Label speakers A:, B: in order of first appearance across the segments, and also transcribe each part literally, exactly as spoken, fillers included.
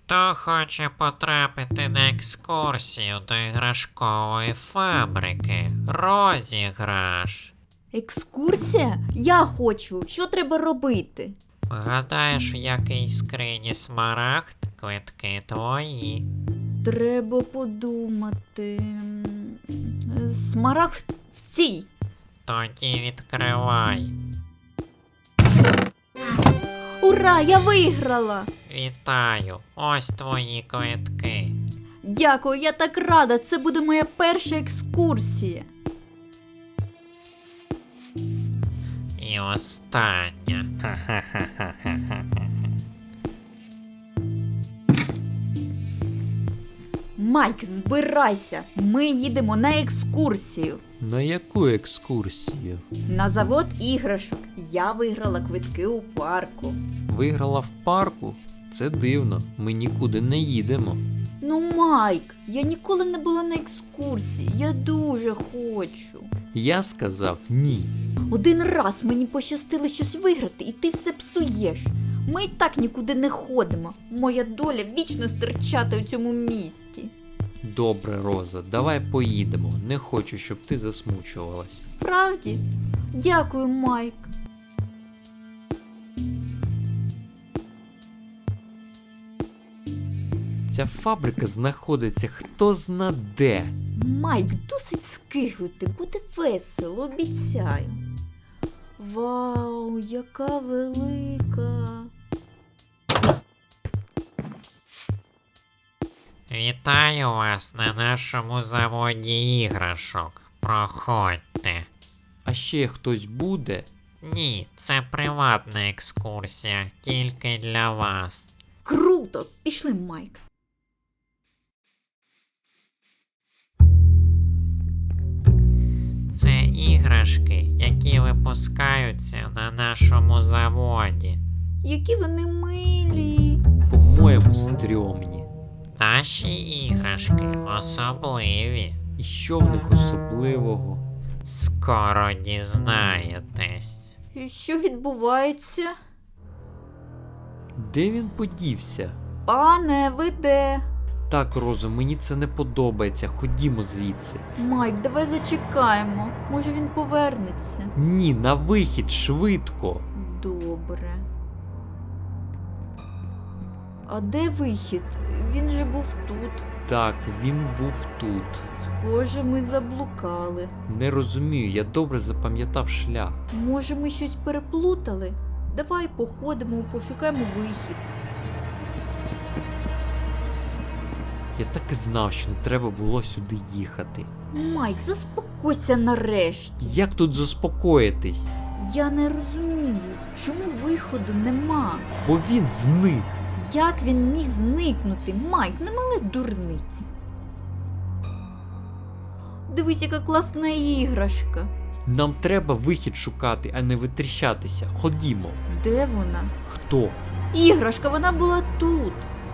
A: Хто хоче потрапити на екскурсію до іграшкової фабрики? Розіграш.
B: Екскурсія? Я хочу. Що треба робити?
A: Гадаєш, в якій скрині смарагд? Квитки твої.
B: Треба подумати. М, Смарагд в цій.
A: Тоді відкривай.
B: Ура, я виграла!
A: Вітаю, ось твої квитки.
B: Дякую, я так рада. Це буде моя перша екскурсія.
A: І остання. Ха-ха-ха-ха-ха-ха.
B: Майк, збирайся. Ми їдемо на екскурсію.
C: На яку екскурсію?
B: На завод іграшок. Я виграла квитки у парку.
C: Виграла в парку? Це дивно, ми нікуди не їдемо.
B: Ну, Майк, я ніколи не була на екскурсії. Я дуже хочу.
C: Я сказав ні.
B: Один раз мені пощастило щось виграти, і ти все псуєш. Ми і так нікуди не ходимо. Моя доля вічно стирчати у цьому місті.
C: Добре, Роза, давай поїдемо. Не хочу, щоб ти засмучувалась.
B: Справді? Дякую, Майк.
C: Ця фабрика знаходиться хто зна де.
B: Майк, досить скиглити, буде весело, обіцяю. Вау, яка велика.
A: Вітаю вас на нашому заводі іграшок. Проходьте.
C: А ще хтось буде?
A: Ні, це приватна екскурсія, тільки для вас.
B: Круто! Пішли, Майк.
A: Це іграшки, які випускаються на нашому заводі.
B: Які вони милі.
C: По-моєму, стрьомні.
A: Наші іграшки особливі.
C: І що в них особливого?
A: Скоро дізнаєтесь.
B: І що відбувається?
C: Де він подівся?
B: Пане, ви де?
C: Так, Розо, мені це не подобається. Ходімо звідси.
B: Майк, давай зачекаємо. Може він повернеться.
C: Ні, на вихід, швидко.
B: Добре. А де вихід? Він же був тут.
C: Так, він був тут.
B: Схоже, ми заблукали.
C: Не розумію, я добре запам'ятав шлях.
B: Може, ми щось переплутали? Давай походимо, пошукаємо вихід.
C: Я так і знав, що не треба було сюди їхати.
B: Майк, заспокойся нарешті.
C: Як тут заспокоїтись?
B: Я не розумію, чому виходу нема.
C: Бо він зник.
B: Як він міг зникнути? Майк, не мали дурниці. Дивись, яка класна іграшка.
C: Нам треба вихід шукати, а не витріщатися. Ходімо.
B: Де вона?
C: Хто?
B: Іграшка, вона була тут.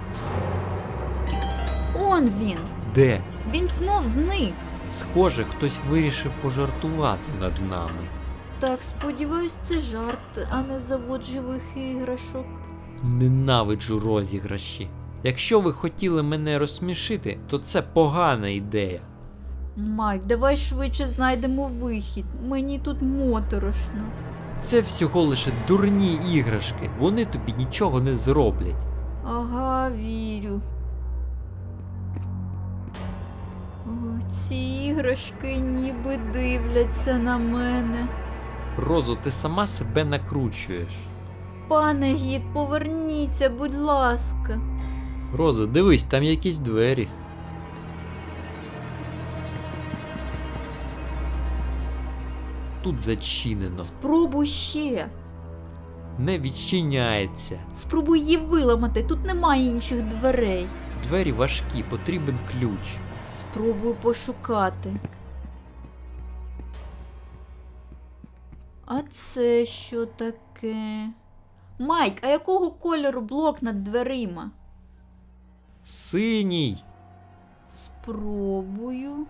B: Он він.
C: Де?
B: Він знов зник.
C: Схоже, хтось вирішив пожартувати над нами.
B: Так, сподіваюсь, це жарт, а не завод живих іграшок.
C: Ненавиджу розіграші. Якщо ви хотіли мене розсмішити, то це погана ідея.
B: Майк, давай швидше знайдемо вихід. Мені тут моторошно.
C: Це всього лише дурні іграшки. Вони тобі нічого не зроблять.
B: Ага, вірю. О, ці іграшки ніби дивляться на мене.
C: Розо, ти сама себе накручуєш.
B: Пане гід, поверніться, будь ласка.
C: Розо, дивись, там якісь двері. Тут зачинено.
B: Спробуй ще.
C: Не відчиняється.
B: Спробуй її виламати, тут немає інших дверей.
C: Двері важкі, потрібен ключ.
B: Спробуй пошукати. А це що таке? Майк, а якого кольору блок над дверима?
C: Синій.
B: Спробую.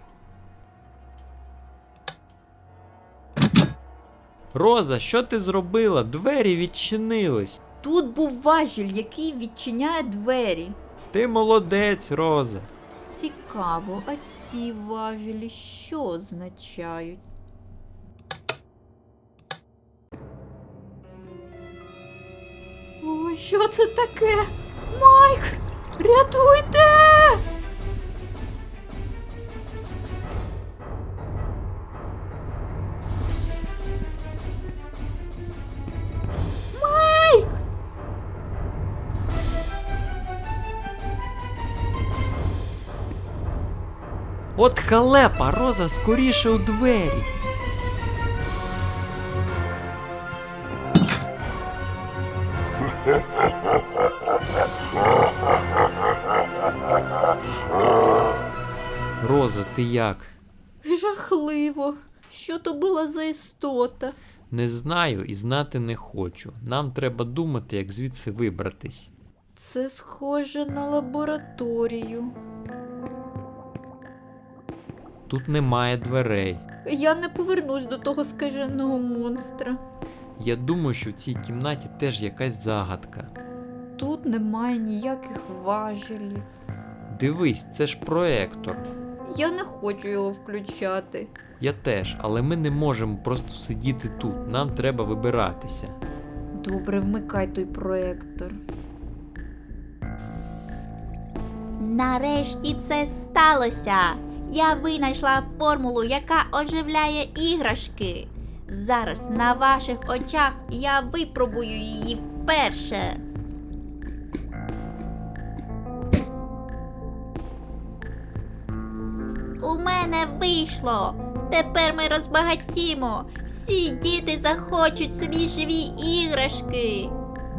C: Роза, що ти зробила? Двері відчинились.
B: Тут був важіль, який відчиняє двері.
C: Ти молодець, Роза.
B: Цікаво, а ці важелі що означають? Ой, що це таке? Майк! Рятуйте! Майк!
C: От халепа, Роза, скоріше у двері. Роза, ти як?
B: Жахливо. Що то була за істота?
C: Не знаю і знати не хочу. Нам треба думати, як звідси вибратись.
B: Це схоже на лабораторію.
C: Тут немає дверей.
B: Я не повернусь до того скаженого монстра.
C: Я думаю, що в цій кімнаті теж якась загадка.
B: Тут немає ніяких важелів.
C: Дивись, це ж проектор.
B: Я не хочу його включати.
C: Я теж, але ми не можемо просто сидіти тут. Нам треба вибиратися.
B: Добре, вмикай той проектор.
D: Нарешті це сталося. Я винайшла формулу, яка оживляє іграшки. Зараз на ваших очах я випробую її вперше. У мене вийшло. Тепер ми розбагатімо. Всі діти захочуть собі живі іграшки.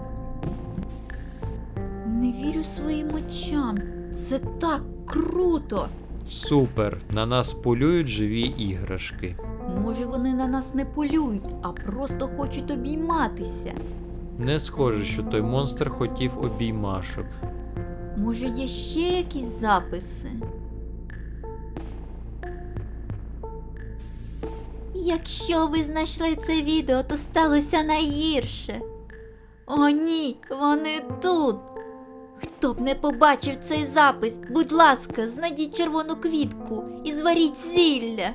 B: Не вірю своїм очам. Це так круто.
C: Супер! На нас полюють живі іграшки.
B: Може, вони на нас не полюють, а просто хочуть обійматися.
C: Не схоже, що той монстр хотів обіймашок.
B: Може, є ще якісь записи?
D: Якщо ви знайшли це відео, то сталося найгірше. О ні, вони тут. Хто б не побачив цей запис, будь ласка, знайдіть червону квітку і зваріть зілля.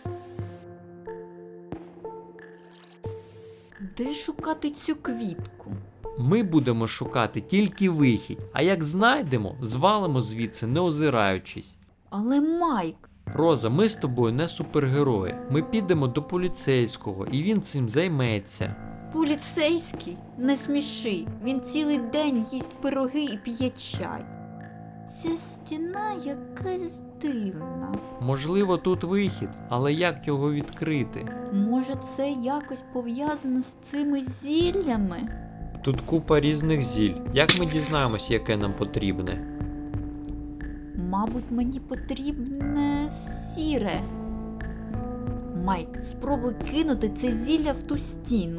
B: Де шукати цю квітку?
C: Ми будемо шукати тільки вихід, а як знайдемо, звалимо звідси, не озираючись.
B: Але Майк,
C: Роза, ми з тобою не супергерої. Ми підемо до поліцейського, і він цим займеться.
B: поліцейський? Не сміши. Він цілий день їсть пироги і п'є чай. Ця стіна якась дивна.
C: Можливо, тут вихід, але як його відкрити?
B: Може, це якось пов'язано з цими зіллями?
C: Тут купа різних зіль. Як ми дізнаємось, яке нам потрібне?
B: Мабуть, мені потрібне сіре. Майк, спробуй кинути це зілля в ту стіну.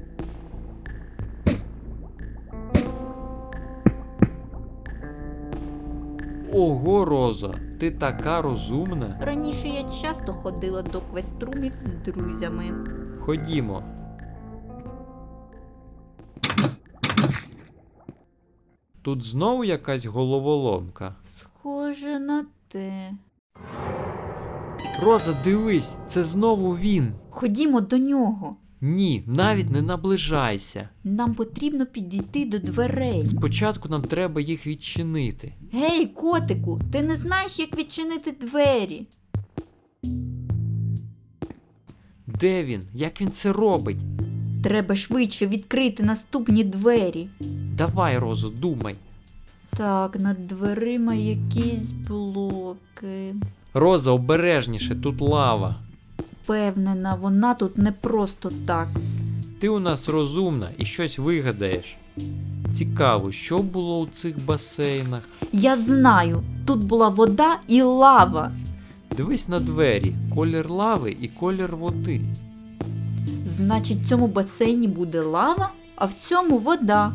C: Ого, Роза, ти така розумна.
B: Раніше я часто ходила до квеструмів з друзями.
C: Ходімо. Тут знову якась головоломка.
B: Схоже на те.
C: Роза, дивись, це знову він.
B: Ходімо до нього.
C: Ні, навіть не наближайся.
B: Нам потрібно підійти до дверей.
C: Спочатку нам треба їх відчинити.
B: Гей, котику, ти не знаєш, як відчинити двері?
C: Де він? Як він це робить?
B: Треба швидше відкрити наступні двері.
C: Давай, Розо, думай.
B: Так, над дверима якісь блоки.
C: Роза, обережніше, тут лава.
B: Впевнена, вона тут не просто так.
C: Ти у нас розумна і щось вигадаєш. Цікаво, що було у цих басейнах?
B: Я знаю, тут була вода і лава.
C: Дивись на двері, колір лави і колір води.
B: Значить, в цьому басейні буде лава, а в цьому вода.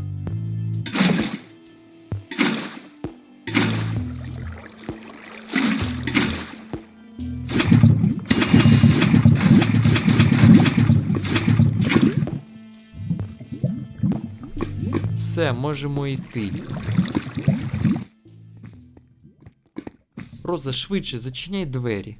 C: Все, можемо йти. Роза, швидше, зачиняй двері.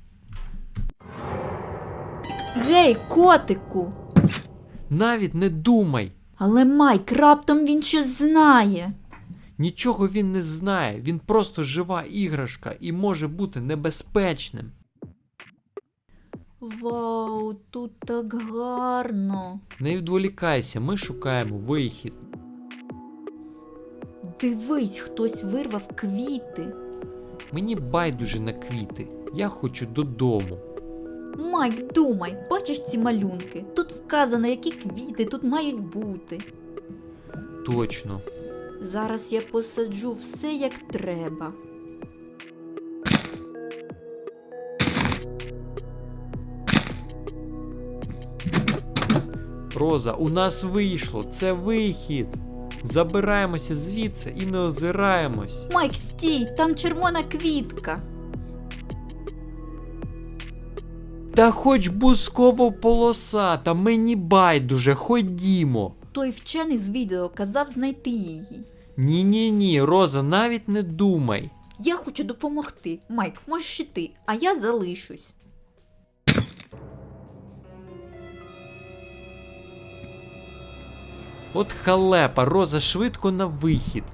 B: Гей, котику!
C: Навіть не думай!
B: Але Майк, раптом він щось знає.
C: Нічого він не знає, він просто жива іграшка і може бути небезпечним.
B: Вау, тут так гарно.
C: Не відволікайся, ми шукаємо вихід.
B: Дивись, хтось вирвав квіти.
C: Мені байдуже на квіти, я хочу додому.
B: Майк, думай, бачиш ці малюнки? Тут вказано, які квіти тут мають бути.
C: Точно.
B: Зараз я посаджу все як треба.
C: Роза, у нас вийшло, це вихід. Забираємося звідси і не озираємось.
B: Майк, стій, там червона квітка.
C: Та хоч бускова полоса, та мені байдуже, ходімо.
B: Той вчений з відео казав знайти її.
C: Ні-ні-ні, Роза, навіть не думай.
B: Я хочу допомогти. Майк, можеш іти, а я залишусь.
C: От халепа, Роза, швидко на вихід.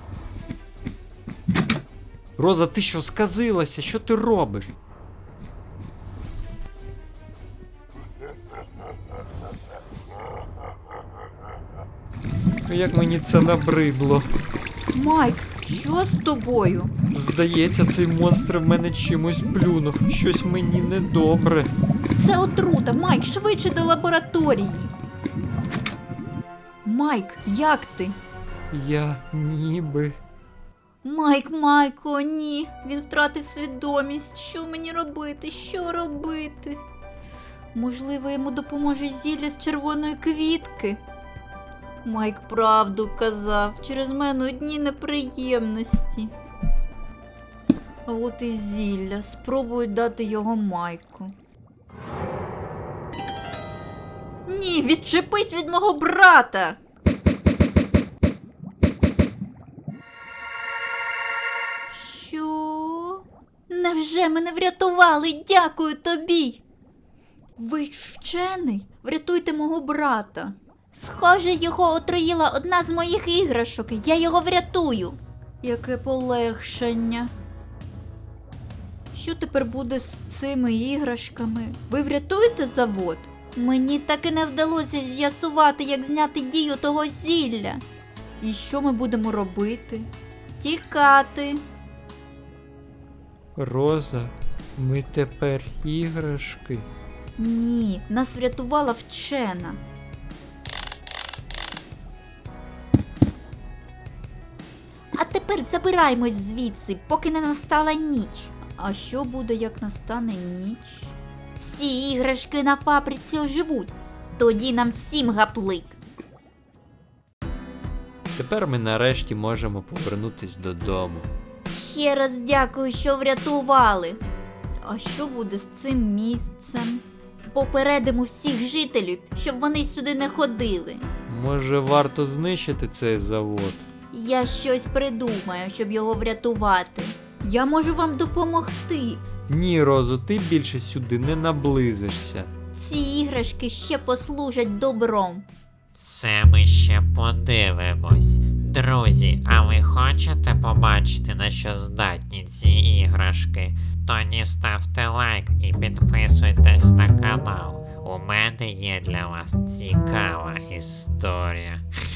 C: Роза, ти що, сказилася? Що ти робиш? Як мені це набридло.
B: Майк, що з тобою?
C: Здається, цей монстр в мене чимось плюнув. Щось мені недобре.
B: Це отрута, Майк, швидше до лабораторії. Майк, як ти?
C: Я ніби.
B: Майк, Майк, о ні, він втратив свідомість. Що мені робити? Що робити? Можливо, йому допоможе зілля з червоної квітки? Майк правду казав, через мене одні неприємності. А от і зілля, спробую дати його Майку. Ні, відчепись від мого брата! Що? Невже мене врятували? Дякую тобі! Ви ж вчений? Врятуйте мого брата.
D: Схоже, його отруїла одна з моїх іграшок. Я його врятую.
B: Яке полегшення. Що тепер буде з цими іграшками? Ви врятуєте завод?
D: Мені так і не вдалося з'ясувати, як зняти дію того зілля.
B: І що ми будемо робити?
D: Тікати.
C: Роза, ми тепер іграшки.
B: Ні, нас врятувала вчена.
D: А тепер забираємось звідси, поки не настала ніч.
B: А що буде, як настане ніч?
D: Всі іграшки на фабриці оживуть. Тоді нам всім гаплик.
C: Тепер ми нарешті можемо повернутись додому.
D: Ще раз дякую, що врятували.
B: А що буде з цим місцем?
D: Попередимо всіх жителів, щоб вони сюди не ходили.
C: Може, варто знищити цей завод?
D: Я щось придумаю, щоб його врятувати.
B: Я можу вам допомогти.
C: Ні, Розо, ти більше сюди не наблизишся.
D: Ці іграшки ще послужать добром.
A: Це ми ще подивимось. Друзі, а ви хочете побачити, на що здатні ці іграшки? Тоді ставте лайк і підписуйтесь на канал. У мене є для вас цікава історія.